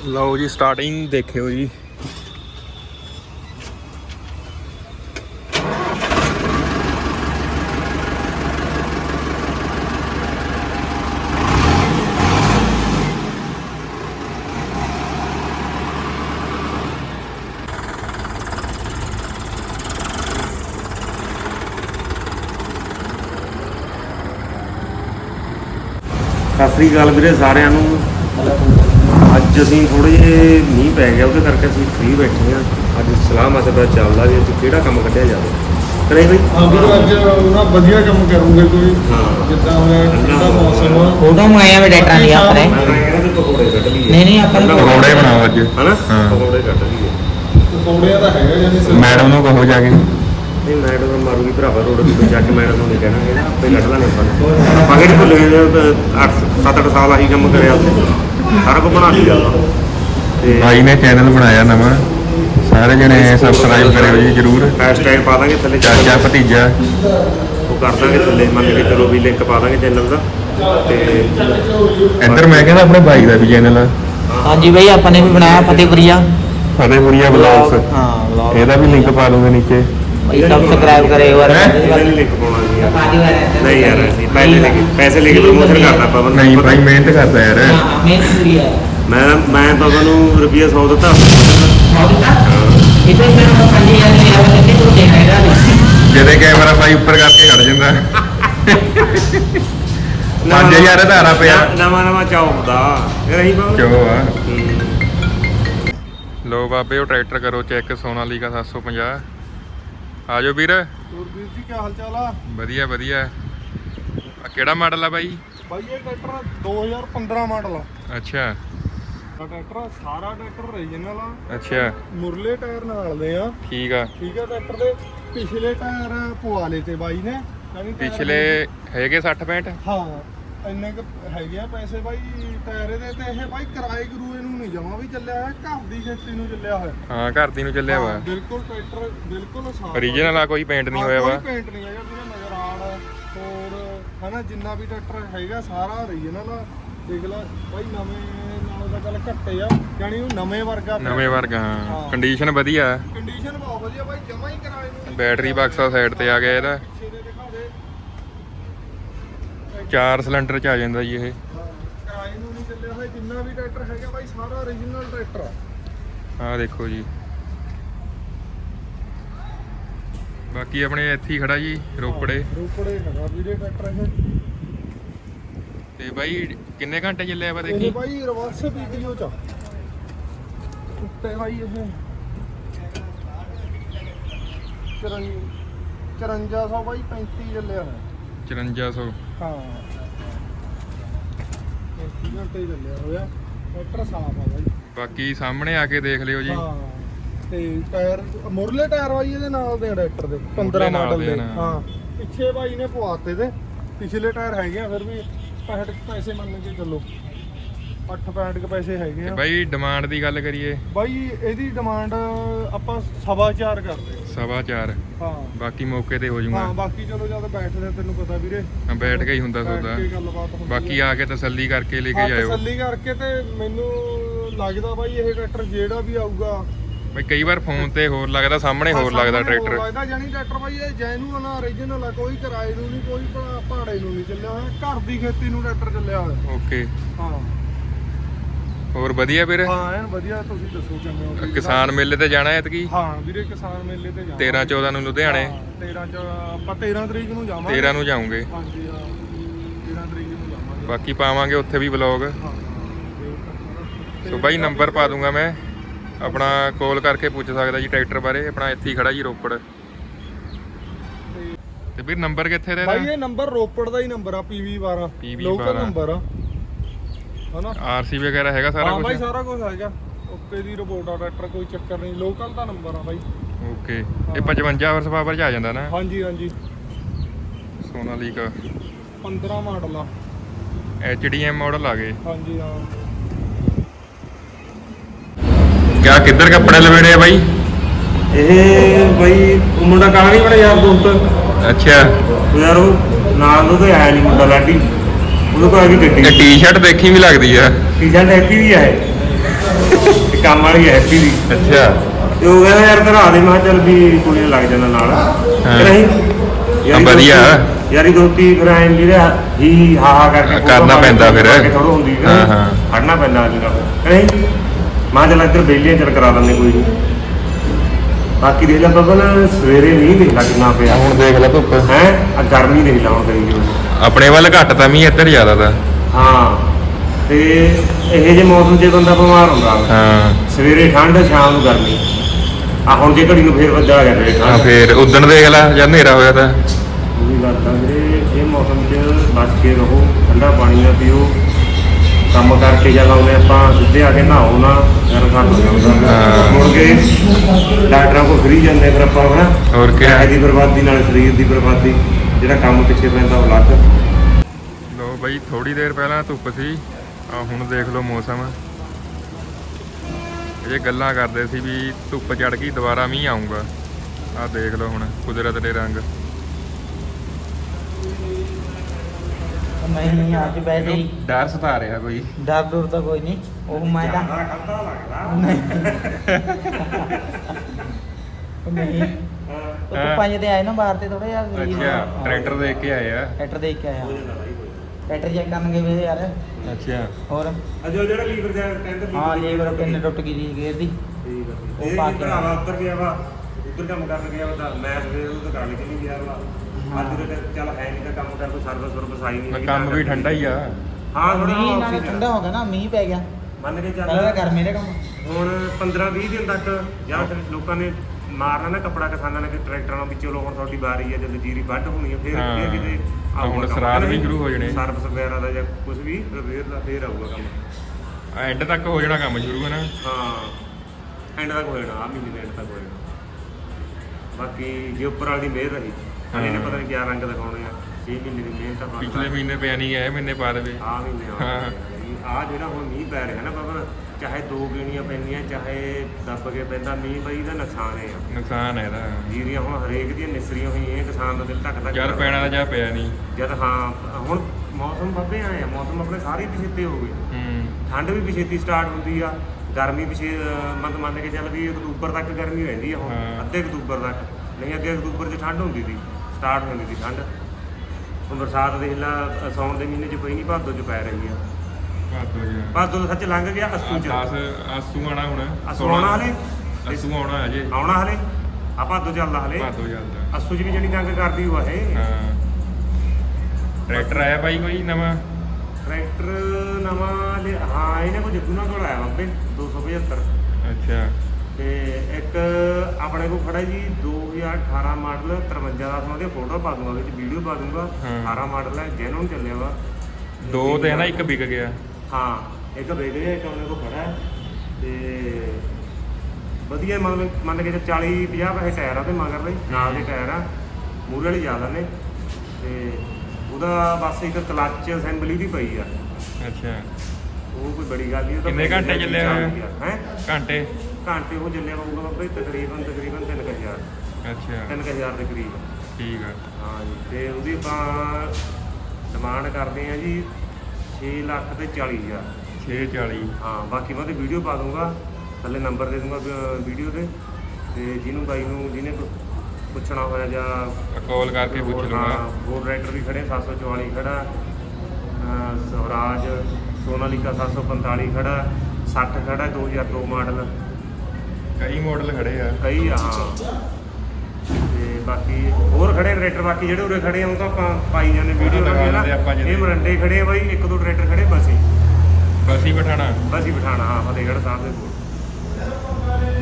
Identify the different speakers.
Speaker 1: ਲਓ ਜੀ ਸਟਾਰਟਿੰਗ ਦੇਖਿਓ ਜੀ।
Speaker 2: ਸਤਿ ਸ੍ਰੀ ਅਕਾਲ ਵੀਰੇ ਸਾਰਿਆਂ ਨੂੰ। ਅੱਜ ਅਸੀਂ ਥੋੜੇ ਜਿਹੇ ਮੀਂਹ ਪੈ ਗਿਆ, ਉਹਦੇ ਕਰਕੇ ਅਸੀਂ ਫ੍ਰੀ ਬੈਠੇ ਹਾਂ। ਅੱਜ ਸਲਾਹ ਮਸ਼ਵਰਾ ਚੱਲਦਾ ਵੀ ਅੱਜ ਕਿਹੜਾ ਕੰਮ ਕੱਢਿਆ ਜਾਵੇ। ਕਰੇ ਬਈ
Speaker 3: ਅੱਜ ਉਹਨਾਂ ਵਧੀਆ ਕੰਮ ਕਰੂਗੇ ਕੋਈ।
Speaker 2: ਹਾਂ
Speaker 3: ਜਿੱਦਾਂ ਹੋਇਆ ਠੰਡਾ ਮੌਸਮ ਆ।
Speaker 4: ਫੋਟੋ ਮੰਗਾਇਆ ਮੈਂ ਡਾਟਾ ਨਹੀਂ ਆਪਣੇ।
Speaker 2: ਮੈਂ ਕਹਿੰਦਾ ਵੀ ਪਕੌੜੇ ਕੱਢ ਲਈਏ।
Speaker 4: ਨਹੀਂ ਆਪਾਂ ਨੂੰ
Speaker 1: ਪਕੌੜੇ ਬਣਾਓ ਅੱਜ
Speaker 2: ਹਨਾ
Speaker 1: ਹਾਂ।
Speaker 2: ਪਕੌੜੇ ਕੱਢ ਲਈਏ।
Speaker 3: ਪਕੌੜਿਆਂ ਦਾ ਹੈਗਾ ਜਾਨੀ
Speaker 1: ਮੈਡਮ ਨੂੰ ਕਹੋ ਜਾ ਕੇ।
Speaker 2: ਨਹੀਂ ਮੈਡਮ ਮਾਰੂਗੀ ਭਰਾਵਾ ਰੋਡ ਤੇ ਜਾ ਕੇ। ਮੈਡਮ ਨੂੰ ਨਹੀਂ ਕਹਿਣਾ ਹੈਗਾ, ਆਪੇ ਕੱਢ ਲਾਂਗੇ ਆਪਾਂ ਕਿਹੜੇ ਭੁੱਲ ਗਏ। 7-8 ਸਾਲ ਆਹੀ ਕੰਮ ਕਰਿਆ, ਸਾਰਾ ਕੁਝ ਬਣਾ ਲਿਆ ਤੇ
Speaker 1: ਭਾਈ ਨੇ ਚੈਨਲ ਬਣਾਇਆ ਨਵਾਂ, ਸਾਰੇ ਜਣੇ ਸਬਸਕ੍ਰਾਈਬ ਕਰਿਓ ਜੀ ਜਰੂਰ।
Speaker 2: ਹੈਸ਼ਟੈਗ ਪਾ ਦਾਂਗੇ ਥੱਲੇ,
Speaker 1: ਚਾਚਾ ਭਤੀਜਾ
Speaker 2: ਉਹ ਕਰ ਦਾਂਗੇ ਥੱਲੇ, ਮੰਨ ਕੇ ਚਲੋ ਵੀ ਲਿੰਕ ਪਾ ਦਾਂਗੇ ਚੈਨਲ ਦਾ। ਤੇ
Speaker 1: ਇੱਧਰ ਮੈਂ ਕਹਿੰਦਾ ਆਪਣੇ ਭਾਈ ਦਾ ਵੀ ਚੈਨਲ ਆ,
Speaker 4: ਹਾਂਜੀ ਬਈ ਆਪਾਂ ਨੇ ਵੀ ਬਣਾਇਆ ਫਤਿਹਪੁਰੀਆ
Speaker 1: ਫਤਿਹਪੁਰੀਆ ਵਲੌਗਸ।
Speaker 4: ਹਾਂ ਵਲੌਗ
Speaker 1: ਇਹਦਾ ਵੀ ਲਿੰਕ ਪਾ ਦੂੰਗੇ ਨੀਚੇ।
Speaker 4: ਬਈ ਸਬਸਕ੍ਰਾਈਬ ਕਰੇ ਯਾਰ।
Speaker 2: ਇਹਦਾ ਨਹੀਂ ਲਿੰਕ ਪਾਉਣਾ ਜੀ ਯਾਰ। ਨਹੀਂ ਯਾਰ ਅਸੀਂ ਪੈਸੇ ਲੈ ਕੇ ਪ੍ਰਮੋਸ਼ਨ ਕਰਦਾ ਪਵਨ।
Speaker 1: ਨਹੀਂ ਭਾਈ ਮਿਹਨਤ ਕਰਦਾ ਯਾਰ।
Speaker 4: ਹਾਂ ਮਿਹਨਤ ਪੂਰੀ ਹੈ।
Speaker 2: ਮੈਂ ਪਵਨ ਨੂੰ ਰੁਪਈਆ 100 ਦਿੱਤਾ।
Speaker 4: ਇਸੇ ਤਰ੍ਹਾਂ ਪੰਜੀ ਯਾਰ ਨੇ ਆਪ ਕਿਤੇ ਤੋਂ ਦੇਣਾ ਇਹਦਾ
Speaker 1: ਜਿਹਦੇ ਕੈਮਰਾ ਭਾਈ ਉੱਪਰ ਕਰਕੇ ਖੜ ਜਾਂਦਾ। 5000 ਆਧਾਰਾ ਪਿਆ
Speaker 2: ਨਵਾਂ ਚੌਂਕਦਾ ਰਹੀ ਪਵਨ
Speaker 1: ਕਿਉਂ ਆ। ਲੋ ਬਾਬੇ ਉਹ ਟਰੈਕਟਰ ਕਰੋ ਚੈੱਕ, ਸੋਨਾਲੀਕਾ 750। ਆਜੋ ਵੀਰ।
Speaker 3: ਵੀਰ ਜੀ ਕੀ ਹਾਲ ਚਾਲ ਆ?
Speaker 1: ਵਧੀਆ ਵਧੀਆ। ਆ ਕਿਹੜਾ ਮਾਡਲ ਆ ਬਾਈ?
Speaker 3: ਬਾਈ ਇਹ ਟਰੈਕਟਰ 2015 ਮਾਡਲ ਆ।
Speaker 1: ਅੱਛਾ
Speaker 3: ਟਰੈਕਟਰ ਸਾਰਾ ਟਰੈਕਟਰ ਰੀਜਨਲ ਆ।
Speaker 1: ਅੱਛਾ
Speaker 3: ਮੁਰਲੇ ਟਾਇਰ ਨਾਲ ਦੇ ਆ।
Speaker 1: ਠੀਕ ਆ।
Speaker 3: ਠੀਕ ਆ। ਟਰੈਕਟਰ ਦੇ ਪਿਛਲੇ ਟਾਇਰ ਪਵਾ ਲਏ ਤੇ ਬਾਈ ਨੇ। ਯਾਨੀ ਟਾਇਰ
Speaker 1: ਪਿਛਲੇ ਹੈਗੇ 60-65।
Speaker 3: ਹਾਂ ਇੰਨੇ ਕੁ ਹੈਗੇ ਆ ਪੈਸੇ ਬਾਈ ਟਾਇਰ ਦੇ। ਤੇ ਇਹ ਬਾਈ ਕਿਰਾਏ ਕਰੂਏ ਨੂੰ ਨਹੀਂ ਜਮਾ ਵੀ ਚੱਲਿਆ ਹੈ, ਘਰ ਦੀ ਖੇਤੀ ਨੂੰ ਚੱਲਿਆ ਹੋਇਆ।
Speaker 1: ਹਾਂ ਘਰ ਦੀ ਨੂੰ ਚੱਲਿਆ ਵਾ।
Speaker 3: ਬਿਲਕੁਲ ਟਰੈਕਟਰ ਬਿਲਕੁਲ ਸਾਫ
Speaker 1: ਓਰੀਜਨਲ ਆ, ਕੋਈ ਪੇਂਟ ਨਹੀਂ ਹੋਇਆ ਵਾ।
Speaker 3: ਕੋਈ ਪੇਂਟ ਨਹੀਂ ਹੈਗਾ ਵੀਰੇ। ਨਜ਼ਰ ਆੜ ਹੋਰ ਹਨਾ ਜਿੰਨਾ ਵੀ ਟਰੈਕਟਰ ਹੈਗਾ ਸਾਰਾ ਓਰੀਜਨਲ ਆ। ਦੇਖ ਲੈ ਬਾਈ ਨਵੇਂ ਨਾਲੋਂ ਤਾਂ ਚੱਲ ਘੱਟੇ ਆ, ਯਾਨੀ ਉਹ ਨਵੇਂ ਵਰਗਾ
Speaker 1: ਨਵੇਂ ਵਰਗਾ। ਹਾਂ ਕੰਡੀਸ਼ਨ ਵਧੀਆ।
Speaker 3: ਕੰਡੀਸ਼ਨ ਬਹੁਤ ਵਧੀਆ ਬਾਈ, ਜਮਾ ਹੀ ਕਿਰਾਏ ਨੂੰ।
Speaker 1: ਬੈਟਰੀ ਬਕਸਾ ਸਾਈਡ ਤੇ ਆ ਗਿਆ ਇਹਦਾ।
Speaker 3: ਪਿੱਛੇ ਦੇ ਦਿਖਾ ਦੇ
Speaker 1: 4 ਸਿਲੰਡਰ ਚ ਆ ਜਾਂਦਾ ਜੀ ਇਹ।
Speaker 3: ਕਿਰਾਏ ਨੂੰ ਨਹੀਂ ਚੱਲਿਆ ਹੋਇਆ। ਜਿੰਨਾ ਵੀ ਟਰੈਕਟਰ ਹੈਗਾ ਬਾਈ ਸਾਰਾ ਓਰੀਜਨਲ ਟਰੈਕਟਰ ਆ।
Speaker 1: ਆਹ ਦੇਖੋ ਜੀ। ਬਾਕੀ ਆਪਣੇ ਇੱਥੇ ਹੀ ਖੜਾ ਜੀ ਰੋਪੜੇ।
Speaker 3: ਰੋਪੜੇ ਹੈਗਾ ਵੀਰੇ ਟਰੈਕਟਰ ਇਹ।
Speaker 1: ਤੇ ਬਾਈ ਕਿੰਨੇ ਘੰਟੇ ਚੱਲਿਆ ਵਾ
Speaker 3: ਇਹ
Speaker 1: ਦੇਖੀ।
Speaker 3: ਬਾਈ ਰਿਵਰਸ ਵੀਡੀਓ ਚ ਉੱਤੇ ਬਾਈ ਇਹ 5400 ਬਾਈ 35 ਚੱਲਿਆ ਹੋਇਆ।
Speaker 1: 5400।
Speaker 3: ਹਾਂ 35 ਘੰਟੇ ਚੱਲਿਆ ਹੋਇਆ। ਟਰੈਕਟਰ ਸਾਫ ਆ ਬਾਈ।
Speaker 1: ਬਾਕੀ ਸਾਹਮਣੇ ਆ ਕੇ ਦੇਖ ਲਿਓ ਜੀ।
Speaker 3: ਹਾਂ ਤੇ ਟਾਇਰ ਮੁਰਲੇ ਟਾਇਰ ਬਾਈ ਇਹਦੇ ਨਾਲ ਦੇ ਟਰੈਕਟਰ ਦੇ 15
Speaker 1: ਨਾਲ
Speaker 3: ਮਾਡਲ ਦੇ।
Speaker 1: ਦੇ
Speaker 3: ਹਾਂ ਪਿੱਛੇ ਬਾਈ ਨੇ ਪਵਾਤੇ ਤੇ ਪਿਛਲੇ ਟਾਇਰ ਹੈਗੇ ਆ ਫਿਰ ਵੀ 65 ਪੈਸੇ ਮੰਨ ਕੇ ਚੱਲੋ। 8-65 ਪੈਸੇ ਹੈਗੇ ਆ
Speaker 1: ਬਾਈ ਡਿਮਾਂਡ ਦੀ ਗੱਲ ਕਰੀਏ
Speaker 3: ਬਾਈ ਇਹਦੀ ਡਿਮਾਂਡ ਆਪਾਂ 4.25 ਕਰਦੇ ਆ।
Speaker 1: 4.25।
Speaker 3: ਹਾਂ
Speaker 1: ਬਾਕੀ ਮੌਕੇ ਤੇ ਹੋ
Speaker 3: ਹਾਂ
Speaker 1: ਜਾਊਗਾ।
Speaker 3: ਬਾਕੀ ਚਲੋ ਜਦ ਬੈਠਦੇ ਤੈਨੂੰ ਪਤਾ ਵੀਰੇ
Speaker 1: ਹਾਂ ਬੈਠ ਕੇ ਹੀ ਹੁੰਦਾ
Speaker 3: ਬੈਠ
Speaker 1: ਸੌਦਾ।
Speaker 3: ਕੇ ਗੱਲਬਾਤ ਹੁੰਦੀ
Speaker 1: ਬਾਕੀ ਆ ਕੇ ਤਸੱਲੀ ਕਰਕੇ ਲੈ
Speaker 3: ਹਾਂ,
Speaker 1: ਕੇ ਜਾਇਓ।
Speaker 3: ਤਸੱਲੀ ਕਰਕੇ। ਤੇ ਮੈਨੂੰ ਲੱਗਦਾ ਬਾਈ ਇਹ ਟਰੈਕਟਰ ਜਿਹੜਾ ਵੀ ਆਊਗਾ
Speaker 1: ਬਈ ਕਈ ਵਾਰ ਫੋਨ ਤੇ ਹੋਰ ਲੱਗਦਾ, ਸਾਹਮਣੇ ਹੋਰ ਲੱਗਦਾ ਟਰੈਕਟਰ।
Speaker 3: ਲੱਗਦਾ ਜਾਨੀ ਟਰੈਕਟਰ ਬਾਈ ਇਹ ਜੈਨੂਅਨ ਆ, ਓਰੀਜਨਲ ਆ। ਕੋਈ ਕਿਰਾਏ ਨੂੰ ਨਹੀਂ, ਕੋਈ ਭਾੜੇ ਨੂੰ ਨਹੀਂ ਚੱਲਿਆ ਹੋਇਆ। ਘਰ ਦੀ ਖੇਤੀ ਨੂੰ ਟਰੈਕਟਰ ਚੱਲਿਆ ਹੋਇਆ।
Speaker 1: ਓਕੇ
Speaker 3: ਹਾਂ
Speaker 1: ਹੋਰ ਵਧੀਆ ਵੀਰ।
Speaker 3: ਹਾਂ ਐਨ ਵਧੀਆ। ਤੁਸੀਂ ਦੱਸੋ ਕਿਵੇਂ ਹੋ?
Speaker 1: ਕਿਸਾਨ ਮੇਲੇ ਤੇ ਜਾਣਾ ਐਤਕੀ।
Speaker 3: ਹਾਂ ਵੀਰੇ ਕਿਸਾਨ ਮੇਲੇ ਤੇ ਜਾਣਾ
Speaker 1: 13-14 ਨੂੰ ਲੁਧਿਆਣੇ।
Speaker 3: 13 ਚ ਆਪਾਂ 13 ਤਰੀਕ ਨੂੰ ਜਾਵਾਂਗੇ।
Speaker 1: 13 ਨੂੰ ਜਾਉਂਗੇ।
Speaker 3: ਹਾਂਜੀ ਹਾਂ 13 ਤਰੀਕ ਨੂੰ ਜਾਵਾਂਗੇ।
Speaker 1: ਬਾਕੀ ਪਾਵਾਂਗੇ ਉੱਥੇ ਵੀ ਵਲੌਗ।
Speaker 3: ਹਾਂ
Speaker 1: ਸੋ ਬਾਈ ਨੰਬਰ ਪਾ ਦੂੰਗਾ ਮੈਂ ਆਪਣਾ, ਕਾਲ ਕਰਕੇ ਪੁੱਛ ਸਕਦਾ ਜੀ ਟਰੈਕਟਰ ਬਾਰੇ। ਆਪਣਾ ਇੱਥੇ ਹੀ ਖੜਾ ਜੀ ਰੋਪੜ। ਤੇ ਵੀਰ ਨੰਬਰ ਕਿੱਥੇ ਦਾ
Speaker 3: ਬਾਈ
Speaker 1: ਇਹਦਾ?
Speaker 3: ਇਹ ਨੰਬਰ ਰੋਪੜ ਦਾ ਹੀ ਨੰਬਰ ਆ। PV12 ਲੋਕਲ ਨੰਬਰ ਆ ਹਨਾ।
Speaker 1: RC ਵਗੈਰਾ ਹੈਗਾ ਸਾਰਾ
Speaker 3: ਹਾਂ ਬਾਈ
Speaker 1: ਕੁਝ?
Speaker 3: ਸਾਰਾ ਕੁਝ ਹੈਗਾ। ਓਕੇ ਦੀ ਰਿਪੋਰਟ ਆ ਟਰੈਕਟਰ, ਕੋਈ ਚੱਕਰ ਨਹੀਂ। ਲੋਕਲ ਦਾ ਨੰਬਰ ਆ ਬਾਈ।
Speaker 1: ਓਕੇ ਇਹ 55 ਹਾਰਸ ਪਾਵਰ ਚ ਆ ਜਾਂਦਾ ਨਾ?
Speaker 3: ਹਾਂਜੀ ਹਾਂਜੀ
Speaker 1: ਸੋਨਾਲੀਕਾ
Speaker 3: 15 ਮਾਡਲ ਆ।
Speaker 1: HDM ਮਾਡਲ ਆ ਗਏ।
Speaker 3: ਹਾਂਜੀ ਹਾਂ
Speaker 1: ਕਿਆ ਕਿੱਧਰ ਕੱਪੜੇ ਲਵੇੜੇ ਆ ਬਾਈ?
Speaker 2: ਇਹ ਬਾਈ ਉਹ ਮੁੰਡਾ ਕਾਲਾ ਨਹੀਂ ਬੜਾ ਯਾਰ ਦੋਸਤ।
Speaker 1: ਅੱਛਾ
Speaker 2: ਉਹ ਯਾਰ ਉਹ ਨਾਲ ਉਹਦੇ ਆਇਆ ਨਹੀਂ ਮੁੰਡਾ ਲਾਡੀ, ਉਹਦੇ ਕੋਲ ਆ ਗਈ ਗੱਡੀ।
Speaker 1: ਇਹ ਟੀ-ਸ਼ਰਟ ਦੇਖੀ ਵੀ ਲੱਗਦੀ ਆ।
Speaker 2: ਟੀ-ਸ਼ਰਟ ਹੈਪੀ ਵੀ ਆ ਇਹ। ਕੰਮ ਵਾਲੀ ਹੈ ਹੈਪੀ ਦੀ।
Speaker 1: ਅੱਛਾ
Speaker 2: ਤੇ ਉਹ ਕਹਿੰਦਾ ਯਾਰ ਧਰਾ ਦੇ, ਮੈਂ ਕਿਹਾ ਚੱਲ ਵੀ ਕੁੜੀ ਨੂੰ ਲੱਗ ਜਾਂਦਾ ਨਾਲ ਕਿ ਨਹੀਂ ਯਾਰੀ
Speaker 1: ਵਧੀਆ।
Speaker 2: ਦੋਸਤੀ- ਯਾਰੀ ਦੋਸਤੀ ਫਿਰ ਐਂ ਜਿਹੜੇ ਹੀ ਹਾ ਕਰਕੇ
Speaker 1: ਕਰਨਾ ਪੈਂਦਾ ਫਿਰ।
Speaker 2: ਥੋੜਾ ਹੁੰਦੀ
Speaker 1: ਹਾਂ, ਹਾਂ।
Speaker 2: ਖੜਨਾ ਪੈਂਦਾ ਅੱਜ ਕੱਲ੍ਹ ਕਿ ਨਹੀਂ। ਮੈਂ ਚੱਲ ਇੱਧਰ ਬੇਲੀਆਂ ਚੱਲ ਕਰਾ ਦਿੰਦੇ ਕੋਈ ਨਹੀਂ। ਬਾਕੀ ਦੇਖ ਲੈ ਬਬਲ ਸਵੇਰੇ ਮੀਂਹ ਦੇਖ ਲਾ ਕਿੰਨਾ ਪਿਆ
Speaker 1: ਹੁਣ ਦੇਖ ਲੈ ਧੁੱਪ
Speaker 2: ਹੈ ਆ ਗਰਮੀ ਦੇਖ ਲਾ ਹੁਣ ਕਰੀ ਜੋ
Speaker 1: ਆਪਣੇ ਵੱਲ ਘੱਟ ਤਾਂ ਮੀਂਹ ਇੱਧਰ ਜ਼ਿਆਦਾ ਤਾਂ
Speaker 2: ਹਾਂ। ਤੇ ਇਹੋ ਜਿਹੇ ਮੌਸਮ 'ਚ ਬੰਦਾ ਬਿਮਾਰ ਹੁੰਦਾ
Speaker 1: ਹਾਂ।
Speaker 2: ਸਵੇਰੇ ਠੰਡ ਸ਼ਾਮ ਨੂੰ ਗਰਮੀ ਆ। ਹੁਣ ਜੇ ਘੜੀ ਨੂੰ ਫੇਰ ਵੱਧਾ ਆ ਗਿਆ
Speaker 1: ਆ ਫੇਰ ਉਦਣ ਦੇਖ ਲੈ ਜਦ ਹਨੇਰਾ ਹੋਇਆ ਤਾਂ
Speaker 2: ਉਹੀ ਗੱਲ ਤਾਂ ਵੀਰੇ ਇਹ ਮੌਸਮ 'ਚ ਬਚ ਕੇ ਰਹੋ, ਠੰਡਾ ਪਾਣੀ ਨਾ ਪੀਓ, ਕੰਮ ਕਰਕੇ ਜਦ ਆਉਂਦੇ ਆਪਾਂ ਸਿੱਧੇ ਆ ਕੇ ਨਹਾਓ ਨਾ ਯਾਰ ਘੱਟ ਹੋ ਜਾਂਦਾ।
Speaker 1: ਹਾਂ।
Speaker 2: ਮੁੜ ਕੇ ਡਾਕਟਰਾਂ ਕੋਲ ਫਿਰੀ ਜਾਂਦੇ ਫਿਰ ਆਪਾਂ ਹਨਾ।
Speaker 1: ਹੋਰ ਕੀ
Speaker 2: ਪੈਸੇ ਦੀ ਬਰਬਾਦੀ ਨਾਲ ਸਰੀਰ ਦੀ ਬਰਬਾਦੀ, ਜਿਹੜਾ ਕੰਮ ਪਿੱਛੇ ਪੈਂਦਾ ਉਹ ਅਲੱਗ।
Speaker 1: ਲੋ ਬਾਈ ਥੋੜੀ ਦੇਰ ਪਹਿਲਾਂ ਧੁੱਪ ਸੀ, ਆ ਹੁਣ ਦੇਖ ਲਓ ਮੌਸਮ। ਇਹ ਗੱਲਾਂ ਕਰਦੇ ਸੀ ਵੀ ਧੁੱਪ ਚੜ ਗਈ ਦੁਬਾਰਾ ਮੀਂਹ ਆਊਗਾ। ਆ ਦੇਖ ਲਓ ਹੁਣ ਕੁਦਰਤ ਦੇ ਰੰਗ।
Speaker 4: ਨਹੀਂ ਅੱਜ ਵੈਸੇ ਹੀ
Speaker 1: ਡਰ ਸਤਾ ਰਿਹਾ ਕੋਈ।
Speaker 4: ਡਰ ਡਰ ਤਾਂ ਕੋਈ ਨਹੀਂ। ਉਹ ਮੈਂ ਤਾਂ
Speaker 2: ਖੰਦਾ ਲੱਗਦਾ
Speaker 4: ਨਹੀਂ ਉਹ
Speaker 1: ਹਾਂ।
Speaker 4: ਪੰਜ ਤੇ ਆਏ ਨਾ ਬਾਹਰ ਤੇ ਥੋੜਾ ਜਿਹਾ
Speaker 1: ਅੱਛਾ ਟਰੈਕਟਰ ਦੇਖ ਕੇ ਆਏ ਆ।
Speaker 4: ਟਰੈਕਟਰ ਦੇਖ ਕੇ ਆਇਆ। ਟਰੈਕਟਰ ਚੈੱਕ ਕਰਨ ਗਏ ਵੇ ਯਾਰ।
Speaker 1: ਅੱਛਾ
Speaker 4: ਹੋਰ
Speaker 2: ਅਜੋ ਜਿਹੜਾ ਲੀਵਰ ਦਾ ਕਹਿੰਦੇ
Speaker 4: ਹਾਂ ਲੇਬਰ ਪਿੰਨ ਟੁੱਟ ਗਈ ਸੀ ਗੇਅਰ ਦੀ।
Speaker 2: ਠੀਕ ਆ।
Speaker 4: ਉਹ
Speaker 2: ਇਹ
Speaker 4: ਪਾ
Speaker 2: ਵੀ
Speaker 4: ਕੇ
Speaker 2: ਭਰਾਵਾ ਉੱਤਰ ਗਿਆ ਵਾ, ਉੱਧਰ ਕੰਮ ਕਰਨ ਗਿਆ ਵਾ ਤਾਂ ਮੈਂ ਸਵੇਰ ਉਹ ਤਾਂ ਗੱਲ ਨਹੀਂ ਗਿਆ ਵਾ। ਅੱਜ ਦੇ ਚੱਲ ਹੈ ਨਹੀਂ ਤਾਂ ਕੰਮ ਕਰ ਕੋਈ ਸਰਵਿਸ ਆਈ ਨਹੀਂ।
Speaker 1: ਕੰਮ ਵੀ ਠੰਡਾ ਹੀ ਆ।
Speaker 2: ਹਾਂ
Speaker 4: ਮੀਂਹ
Speaker 2: ਥੋੜਾ
Speaker 4: ਨਾਲੇ ਠੰਡਾ ਹੋ ਗਿਆ ਨਾ, ਮੀਂਹ ਪੈ ਗਿਆ।
Speaker 2: ਮੰਨ ਕੇ
Speaker 4: ਪਹਿਲਾਂ ਤਾਂ
Speaker 2: ਚੱਲ
Speaker 4: ਗਰਮੀ ਦੇ ਕੰਮ।
Speaker 2: ਹੁਣ 15-20 ਦਿਨ ਤੱਕ ਜਾਂ ਫਿਰ ਲੋਕਾਂ ਨੇ ਮਾਰਨਾ ਨਾ ਕੱਪੜਾ ਕਿਸਾਨਾਂ ਨੇ ਕਿ ਟਰੈਕਟਰਾਂ ਨੂੰ ਵੀ ਚਲੋ ਹੁਣ ਤੁਹਾਡੀ ਵਾਰੀ ਹੈ ਜਦੋਂ ਜੀਰੀ ਵੱਢ ਹੋਣੀ ਹੈ ਫਿਰ
Speaker 1: ਹਾਂ।
Speaker 2: ਕਿਤੇ
Speaker 1: ਹੁਣ
Speaker 2: ਆਊਗਾ ਕੰਮ।
Speaker 1: ਸਰਾਧ ਵੀ ਸ਼ੁਰੂ ਹੋ ਜਾਣੇ।
Speaker 2: ਸਰਵਿਸ ਵਗੈਰਾ ਦਾ ਜਾਂ ਕੁਝ ਵੀ ਰਿਪੇਅਰ ਦਾ ਫੇਰ ਆਊਗਾ ਕੰਮ।
Speaker 1: ਐਂਡ ਤੱਕ ਹੋ ਜਾਣਾ ਕੰਮ ਸ਼ੁਰੂ ਹੈ ਨਾ।
Speaker 2: ਹਾਂ ਐਂਡ ਤੱਕ ਹੋ ਜਾਣਾ, ਆ ਮਹੀਨੇ ਦੇ ਐਂਡ ਤੱਕ ਹੋ ਜਾਣਾ। ਬਾਕੀ ਜੇ ਉੱਪਰ ਵਾਲੀ ਦੀ ਮਿਹਰ ਰਹੀ ਹਲੇ ਨੇ ਪਤਾ ਨਹੀਂ ਕਿਆ ਰੰਗ ਦਿਖਾਉਣੇ ਆ। 6 ਮਹੀਨੇ ਦੀ ਮਿਹਨਤ ਆ।
Speaker 1: ਪਿਛਲੇ ਮਹੀਨੇ ਪਿਆ ਨਹੀਂ ਗਿਆ, ਇਹ ਮਹੀਨੇ ਪਾ ਦੇਵੇ।
Speaker 2: ਆ ਮਹੀਨੇ ਆ ਜਿਹੜਾ ਹੁਣ ਮੀਂਹ ਪੈ ਰਿਹਾ ਨਾ ਬਾਬਾ, ਚਾਹੇ 2 ਗੇਣੀਆਂ ਪੈਂਦੀਆਂ ਚਾਹੇ ਦੱਬ ਕੇ ਪੈਂਦਾ ਮੀਂਹ ਬਈ ਦਾ ਨੁਕਸਾਨ ਹੈ ਆ।
Speaker 1: ਨੁਕਸਾਨ ਹੈ ਇਹਦਾ।
Speaker 2: ਜੀਰੀਆਂ ਹੁਣ ਹਰੇਕ ਦੀਆਂ ਨਿਸਰੀਆਂ ਹੋਈਆਂ, ਇਹ ਕਿਸਾਨ ਦਾ ਦਿਲ ਧੱਕ ਧੱਕ
Speaker 1: ਯਾਰ ਪੈਣਾ ਤਾਂ ਜਾਂ ਪਿਆ ਨਹੀਂ।
Speaker 2: ਜਦ ਹਾਂ ਹੁਣ ਮੌਸਮ ਬੱਬੇ ਆਏ ਆ, ਮੌਸਮ ਆਪਣੇ ਸਾਰੇ ਪਿਛੇਤੇ ਹੋ ਗਏ।
Speaker 1: ਹੂੰ
Speaker 2: ਠੰਡ ਵੀ ਪਿਛੇਤੀ ਸਟਾਰਟ ਹੁੰਦੀ ਆ, ਗਰਮੀ ਪਿਛੇ ਮੰਨ ਕੇ ਚੱਲ ਵੀ ਅਕਤੂਬਰ ਤੱਕ ਗਰਮੀ ਰਹਿੰਦੀ ਆ ਹੁਣ।
Speaker 1: ਹਾਂ।
Speaker 2: ਅੱਧੇ ਅਕਤੂਬਰ ਤੱਕ, ਨਹੀਂ ਅੱਗੇ ਅਕਤੂਬਰ 'ਚ ਠੰਡ ਹੁੰਦੀ ਸੀ, ਸਟਾਰਟ ਹੁੰਦੀ ਸੀ ਠੰਡ। ਹੁਣ ਬਰਸਾਤ ਦੇਖ ਲਾ ਸਾਉਣ ਦੇ ਮਹੀਨੇ 'ਚ ਪਈ ਨਹੀਂ, ਭਾਦੋ 'ਚ ਪੈ ਰਹੀ ਆ।
Speaker 1: ਭਾਦੋ ਜੀ
Speaker 2: ਭਾਦੋ ਤਾਂ ਸੱਚ ਲੰਘ ਗਿਆ, ਅੱਸੂ 'ਚ
Speaker 1: 10 ਆਸੂ ਆਣਾ ਹੁਣ।
Speaker 2: ਅੱਸੂ ਆਉਣਾ ਹਲੇ,
Speaker 1: ਆਸੂ ਆਉਣਾ ਅਜੇ।
Speaker 2: ਆਉਣਾ ਹਲੇ ਆ ਭਾਦੋ ਚੱਲਦਾ ਹਲੇ।
Speaker 1: ਭਾਦੋ ਚੱਲਦਾ।
Speaker 2: ਅੱਸੂ 'ਚ ਵੀ ਜਿਹੜੀ ਜੰਗ ਕਰਦੀ ਹੋਆ ਇਹ।
Speaker 1: ਹਾਂ ਟਰੈਕਟਰ ਆਇਆ ਭਾਈ ਕੋਈ ਨਵਾਂ?
Speaker 2: ਟਰੈਕਟਰ ਨਵਾਂ ਹਾਂ ਇਹਨੇ ਕੋਈ ਜੱਗੂ ਨਾਲ ਕੋਲ ਆਇਆ ਬਾਬੇ 275।
Speaker 1: ਅੱਛਾ
Speaker 2: ਤੇ ਇੱਕ ਆਪਣੇ ਕੋਲ ਖੜਾ ਜੀ 2018 ਮਾਡਲ 53 ਦਾ। ਤੁਹਾਨੂੰ ਉਹਦੀ ਫੋਟੋ ਪਾ ਦੂੰਗਾ, ਵਿੱਚ ਵੀਡੀਓ ਪਾ ਦੂੰਗਾ।
Speaker 1: ਹਾਂ।
Speaker 2: 18 ਮਾਡਲ ਹੈ, ਜੈਨੂਨ ਚੱਲਿਆ ਵਾ।
Speaker 1: ਦੋ ਤੇ ਹੈ ਨਾ, ਇੱਕ ਵਿਕ ਗਿਆ।
Speaker 2: ਹਾਂ ਇੱਕ ਵੇਚ ਗਿਆ, ਇੱਕ ਆਪਣੇ ਕੋਲ ਖੜਾ ਹੈ। ਤੇ ਵਧੀਆ ਮੰਨ ਕੇ 40-50 ਪੈਸੇ ਟਾਇਰ ਆ ਤੇ ਮਗਰ ਲਈ ਨਾਲ ਦੇ ਟਾਇਰ ਆ, ਮੂਹਰੇ ਵਾਲੀ ਜ਼ਿਆਦਾ ਨੇ। ਤੇ ਉਹਦਾ ਬਸ ਇੱਕ ਕਲੱਚ ਅਸੈਂਬਲੀ ਦੀ ਪਈ ਆ।
Speaker 1: ਅੱਛਾ
Speaker 2: ਉਹ ਕੋਈ ਬੜੀ ਗੱਲ ਨਹੀਂ।
Speaker 1: ਕਿੰਨੇ ਘੰਟੇ ਚੱਲਿਆ ਹੋਇਆ?
Speaker 2: ਹੈ
Speaker 1: ਘੰਟੇ
Speaker 2: ਘੰਟੇ ਉਹ ਚੱਲਿਆ ਹੋਊਗਾ ਬਾਬੇ ਤਕਰੀਬਨ 3000।
Speaker 1: ਅੱਛਾ
Speaker 2: 3000 ਦੇ ਕਰੀਬ।
Speaker 1: ਠੀਕ ਆ।
Speaker 2: ਹਾਂ ਜੀ। ਤੇ ਉਹਦੀ ਆਪਾਂ ਡਿਮਾਂਡ ਕਰਦੇ ਆ ਜੀ 6,40,000।
Speaker 1: 640।
Speaker 2: ਹਾਂ ਬਾਕੀ ਮੈਂ ਉਹਦੀ ਵੀਡੀਓ ਪਾ ਦੂੰਗਾ, ਥੱਲੇ ਨੰਬਰ ਦੇ ਦੂੰਗਾ ਵੀਡੀਓ ਦੇ। ਤੇ ਜਿਹਨੂੰ ਬਾਈ ਨੂੰ ਜਿਹਨੇ ਪੁੱਛਣਾ ਹੋਇਆ ਜਾਂ
Speaker 1: ਕਾਲ ਕਰਕੇ ਪੁੱਛ ਲੂੰਗਾ।
Speaker 2: ਹੋਰ ਰਾਈਡਰ ਵੀ ਖੜੇ, 744 ਖੜਾ, ਸਵਰਾਜ ਸੋਨਾਲੀਕਾ 745 ਖੜਾ, 60 ਖੜਾ, 2002 ਮਾਡਲ।
Speaker 1: ਕਈ ਮਾਡਲ ਖੜੇ ਆ।
Speaker 2: ਕਈ ਆ ਹਾਂ। ਤੇ ਬਾਕੀ ਹੋਰ ਖੜੇ ਟਰੈਕਟਰ, ਬਾਕੀ ਜਿਹੜੇ ਉਰੇ ਖੜੇ ਆ ਉਹ ਤਾਂ ਆਪਾਂ ਪਾਈ ਜਾਂਦੇ ਵੀਡੀਓ
Speaker 1: ਲਗਾ
Speaker 2: ਨਾਲ
Speaker 1: ਦਿੰਦੇ ਆਪਾਂ
Speaker 2: ਨਾ।
Speaker 1: ਜਿਹੜੇ।
Speaker 2: ਇਹ ਮਰੰਡੇ ਖੜੇ ਆ ਬਾਈ, 1-2 ਟਰੈਕਟਰ ਖੜੇ ਬਸੀ
Speaker 1: ਬਸੀ ਪਠਾਣਾ।
Speaker 2: ਬਸੀ ਬਿਠਾਣਾ ਹਾਂ, ਫਤਿਹਗੜ੍ਹ ਸਾਹਿਬ ਦੇ ਕੋਲ।